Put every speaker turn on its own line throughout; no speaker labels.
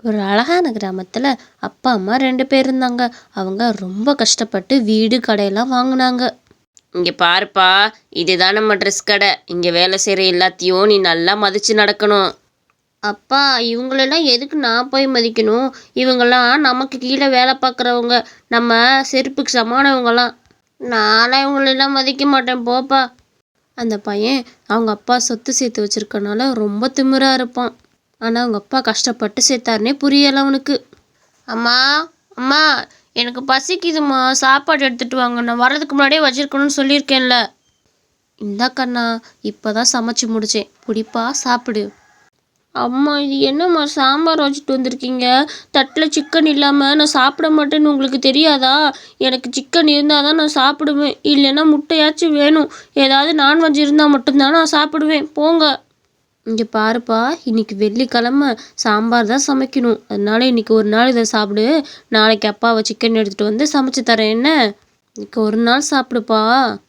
ஒரு அழகான கிராமத்தில் அப்பா அம்மா 2 பேர் இருந்தாங்க. அவங்க ரொம்ப கஷ்டப்பட்டு வீடு கடையெல்லாம் வாங்கினாங்க.
இங்கே பாருப்பா, இதுதான் நம்ம ட்ரெஸ் கடை. இங்கே வேலை செய்கிற எல்லாத்தையும் நீ நல்லா மதித்து நடக்கணும்.
அப்பா, இவங்களெல்லாம் எதுக்கு நான் போய் மதிக்கணும்? இவங்கெல்லாம் நமக்கு கீழே வேலை பார்க்குறவங்க. நம்ம செருப்புக்கு சமானவங்கலாம். நான்லாம் இவங்களெல்லாம் மதிக்க மாட்டேன், போப்பா. அந்த பையன் அவங்க அப்பா சொத்து சேர்த்து வச்சிருக்கனால ரொம்ப திமிரா இருப்பான். ஆனால் அவங்க அப்பா கஷ்டப்பட்டு சேர்த்தாருனே புரியலை அவனுக்கு. அம்மா, அம்மா, எனக்கு பசிக்குதும்மா, சாப்பாடு எடுத்துகிட்டு வாங்க. நான் வர்றதுக்கு முன்னாடியே வச்சிருக்கணும்னு சொல்லியிருக்கேன்ல. இந்தா கண்ணா, இப்போ தான் சமைச்சு முடித்தேன், பிடிப்பா, சாப்பிடு. அம்மா, இது என்னம்மா சாம்பார் வச்சுட்டு வந்திருக்கீங்க? தட்டில் சிக்கன் இல்லாமல் நான் சாப்பிட மாட்டேன்னு உங்களுக்கு தெரியாதா? எனக்கு சிக்கன் இருந்தால் தான் நான் சாப்பிடுவேன், இல்லைன்னா முட்டையாச்சும் வேணும். ஏதாவது நான்வெஜ் இருந்தால் மட்டும்தான் நான் சாப்பிடுவேன், போங்க. இங்கே பாருப்பா, இன்னைக்கு வெள்ளிக்கிழமை, சாம்பார் தான் சமைக்கணும். அதனால இன்னைக்கு ஒரு நாள் இதை சாப்பிடு. நாளைக்கு அப்பாவை சிக்கன் எடுத்துகிட்டு வந்து சமைச்சு தரேன், என்ன? இன்னைக்கு ஒரு நாள் சாப்பிடுப்பா.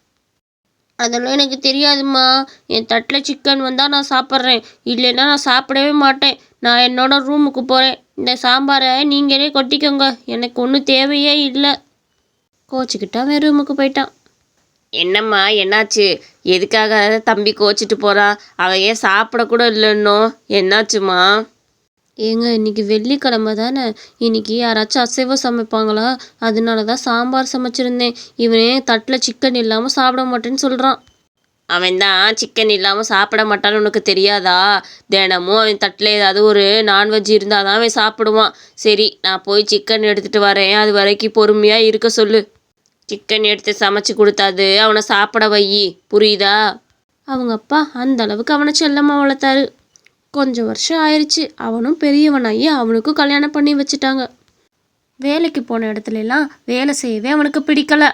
அதெல்லாம் எனக்கு தெரியாதும்மா. என் தட்டில் சிக்கன் வந்தால் நான் சாப்பிட்றேன், இல்லைன்னா நான் சாப்பிடவே மாட்டேன். நான் என்னோட ரூமுக்கு போகிறேன். இந்த சாம்பாரை நீங்களே கொட்டிக்கோங்க, எனக்கு ஒன்றும் தேவையே இல்லை. கோச்சிக்கிட்டான், அவன் ரூமுக்கு போயிட்டான்.
என்னம்மா, என்னாச்சு? எதுக்காக தம்பி கோச்சிட்டு போகிறான்? அவன் ஏன் சாப்பிடக்கூட இல்லைன்னோ? என்னாச்சுமா?
ஏங்க, இன்னைக்கு வெள்ளிக்கிழமை தானே, இன்னைக்கு யாராச்சும் அசைவம் சமைப்பாங்களா? அதனால தான் சாம்பார் சமைச்சிருந்தேன். இவனே தட்டில் சிக்கன் இல்லாமல் சாப்பிட மாட்டேன்னு சொல்கிறான்.
அவன் தான் சிக்கன் இல்லாமல் சாப்பிட மாட்டான்னு உனக்கு தெரியாதா? தினமும் அவன் தட்டில் ஏதாவது ஒரு நான்வெஜ் இருந்தால் தான் அவன் சாப்பிடுவான். சரி, நான் போய் சிக்கன் எடுத்துகிட்டு வரேன், அது வரைக்கும் பொறுமையாக இருக்க சொல்லு. சிக்கன் எடுத்து சமைச்சு கொடுத்தாது அவனை சாப்பிட வை, புரியுதா?
அவங்க அப்பா அந்த அளவுக்கு அவனை செல்லமாக வளர்த்தாரு. கொஞ்சம் வருஷம் ஆயிடுச்சு, அவனும் பெரியவனாகி அவனுக்கும் கல்யாணம் பண்ணி வச்சுட்டாங்க. வேலைக்கு போன இடத்துல எல்லாம் வேலை செய்யவே அவனுக்கு பிடிக்கல.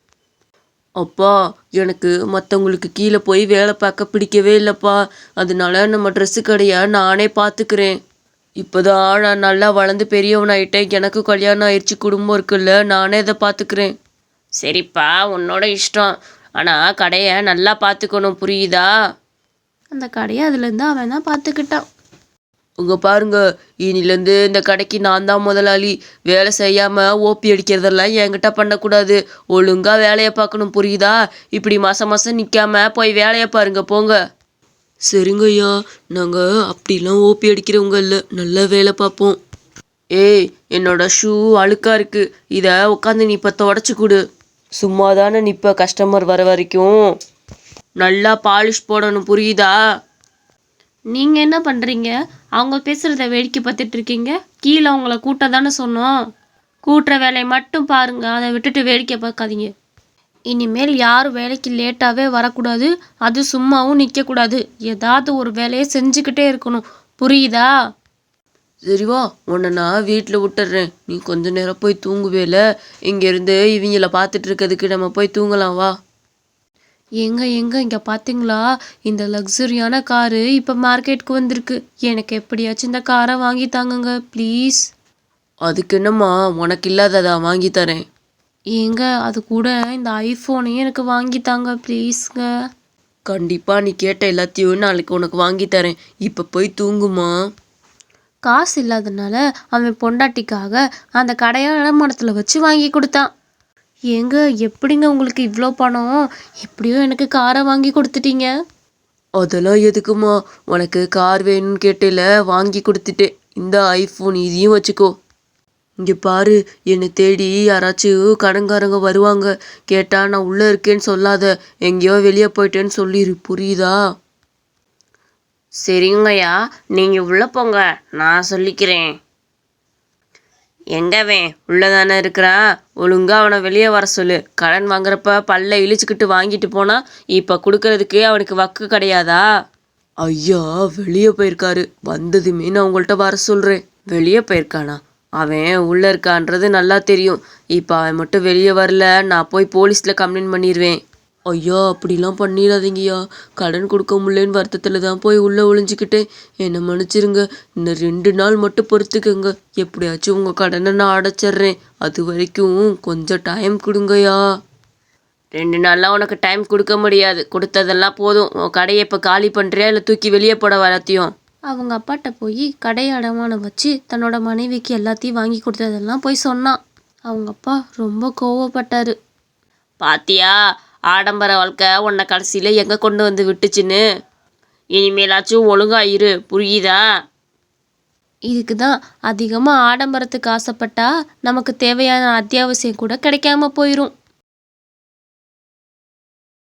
அப்பா, எனக்கு மற்றவங்களுக்கு கீழே போய் வேலை பார்க்க பிடிக்கவே இல்லைப்பா. அதனால நம்ம ட்ரெஸ்ஸு கடையை நானே பார்த்துக்கிறேன். இப்போதான் நான் நல்லா வளர்ந்து பெரியவனாயிட்டேன், எனக்கு கல்யாணம் ஆயிடுச்சு, குடும்பம் இருக்குல்ல, நானே இதை பார்த்துக்கிறேன். சரிப்பா, உன்னோட இஷ்டம். ஆனால் கடையை நல்லா பார்த்துக்கணும், புரியுதா?
அந்த கடையை அதுலேருந்து அவன் தான் பார்த்துக்கிட்டான்.
உங்க பாருங்க, இனிலேருந்து இந்த கடைக்கு நான் தான் முதலாளி. வேலை செய்யாமல் ஓபி அடிக்கிறதெல்லாம் என்கிட்ட பண்ணக்கூடாது. ஒழுங்காக வேலையை பார்க்கணும், புரியுதா? இப்படி மாதம் மாதம் நிற்காம போய் வேலையை பாருங்க, போங்க. சரிங்க ஐயா, நாங்கள் அப்படிலாம் ஓபி அடிக்கிறவங்க இல்லை, நல்லா வேலை பார்ப்போம். ஏய், என்னோட ஷூ அழுக்கா இருக்கு, இதை உட்காந்து நீ இப்போ தொடச்சி கொடு. சும்மா தானே நிற்ப கஸ்டமர் வர வரைக்கும். நல்லா பாலிஷ் போடணும், புரியுதா?
நீங்கள் என்ன பண்ணுறீங்க? அவங்க பேசுகிறத வேடிக்கை பார்த்துட்டு இருக்கீங்க. கீழே அவங்கள கூட்ட தானே சொன்னோம். கூட்டுற வேலையை மட்டும் பாருங்க, அதை விட்டுட்டு வேடிக்கை பார்க்காதீங்க. இனிமேல் யாரும் வேலைக்கு லேட்டாகவே வரக்கூடாது, அது சும்மாவும் நிற்கக்கூடாது. ஏதாவது ஒரு வேலையை செஞ்சுக்கிட்டே இருக்கணும், புரியுதா?
சரிவா, உன்னை நான் வீட்டில் விட்டுறேன், நீ கொஞ்ச நேரம் போய் தூங்குவேல. இங்கேருந்து இவங்கள பார்த்துட்டு இருக்கிறதுக்கு நம்ம போய் தூங்கலாம், வா.
எங்க இங்கே பார்த்தீங்களா? இந்த லக்ஸரியான காரு இப்போ மார்க்கெட்டுக்கு வந்திருக்கு. எனக்கு எப்படியாச்சும் இந்த காரை வாங்கி தாங்குங்க ப்ளீஸ்.
அதுக்கு என்னம்மா, உனக்கு இல்லாததா வாங்கி தரேன்.
ஏங்க, அது கூட இந்த ஐஃபோனையும் எனக்கு வாங்கி தாங்க ப்ளீஸ்ங்க.
கண்டிப்பாக நீ கேட்ட எல்லாத்தையும் நாளைக்கு உனக்கு வாங்கி தரேன். இப்போ போய் தூங்குமா.
காசு இல்லாதனால அவன் பொண்டாட்டிக்காக அந்த கடையை இடமானத்தில் வச்சு வாங்கி கொடுத்தான். ஏங்க, எப்படிங்க உங்களுக்கு இவ்வளோ பணம்? எப்படியோ எனக்கு காரை வாங்கி கொடுத்துட்டீங்க.
அதெல்லாம் எதுக்குமா, உனக்கு கார் வேணும்னு கேட்டேல, வாங்கி கொடுத்துட்டேன். இந்த ஐஃபோன் இதையும் வச்சுக்கோ. இங்கே பாரு, என்னை தேடி யாராச்சும் கடன்காரங்க வருவாங்க, கேட்டால் நான் உள்ளே இருக்கேன்னு சொல்லாத, எங்கேயோ வெளியே போயிட்டேன்னு சொல்லிடு, புரியுதா? சரிங்கய்யா, நீங்கள் உள்ளே போங்க, நான் சொல்லிக்கிறேன். எங்கவே உள்ளதானே இருக்கிறான், ஒழுங்காக அவனை வெளியே வர சொல்லு. கடன் வாங்குறப்ப பல்ல இழிச்சுக்கிட்டு வாங்கிட்டு போனால் இப்போ கொடுக்கறதுக்கு அவனுக்கு வக்கு கிடையாதா? ஐயா, வெளியே போயிருக்காரு, வந்ததுமே நான் உங்கள்கிட்ட வர சொல்கிறேன். வெளியே போயிருக்கானா? அவன் உள்ளே இருக்கான்றது நல்லா தெரியும். இப்போ அவன் மட்டும் வெளியே வரல, நான் போய் போலீஸில் கம்ப்ளைண்ட் பண்ணிடுவேன். ஐயா, அப்படிலாம் பண்ணிடாதீங்கய்யா, கடன் கொடுக்க முடியலன்னு வருத்தத்தில் தான் போய் உள்ளே ஒளிஞ்சிக்கிட்டேன், என்னை மன்னிச்சிருங்க. இன்னும் 2 நாள் மட்டும் பொறுத்துக்கங்க, எப்படியாச்சும் உங்கள் கடனை நான் அடைச்சிட்றேன். அது வரைக்கும் கொஞ்சம் டைம் கொடுங்கய்யா. 2 நாள்லாம் உனக்கு டைம் கொடுக்க முடியாது, கொடுத்ததெல்லாம் போதும். உன் கடையை இப்போ காலி பண்ணுறியா இல்லை தூக்கி வெளியே போட வரத்தையும்?
அவங்க அப்பாட்ட போய் கடையை அடமானம் வச்சு தன்னோட மனைவிக்கு எல்லாத்தையும் வாங்கி கொடுத்ததெல்லாம் போய் சொன்னான். அவங்க அப்பா ரொம்ப கோவப்பட்டாரு.
பாத்தியா, ஆடம்பர வாழ்க்கை உன்னை கடைசியில் எங்கே கொண்டு வந்து விட்டுச்சுன்னு. இனிமேலாச்சும் ஒழுங்கா இரு, புரியுதா?
இதுக்கு தான் அதிகமாக ஆடம்பரத்துக்கு ஆசைப்பட்டா நமக்கு தேவையான அத்தியாவசியம் கூட கிடைக்காம போயிடும்.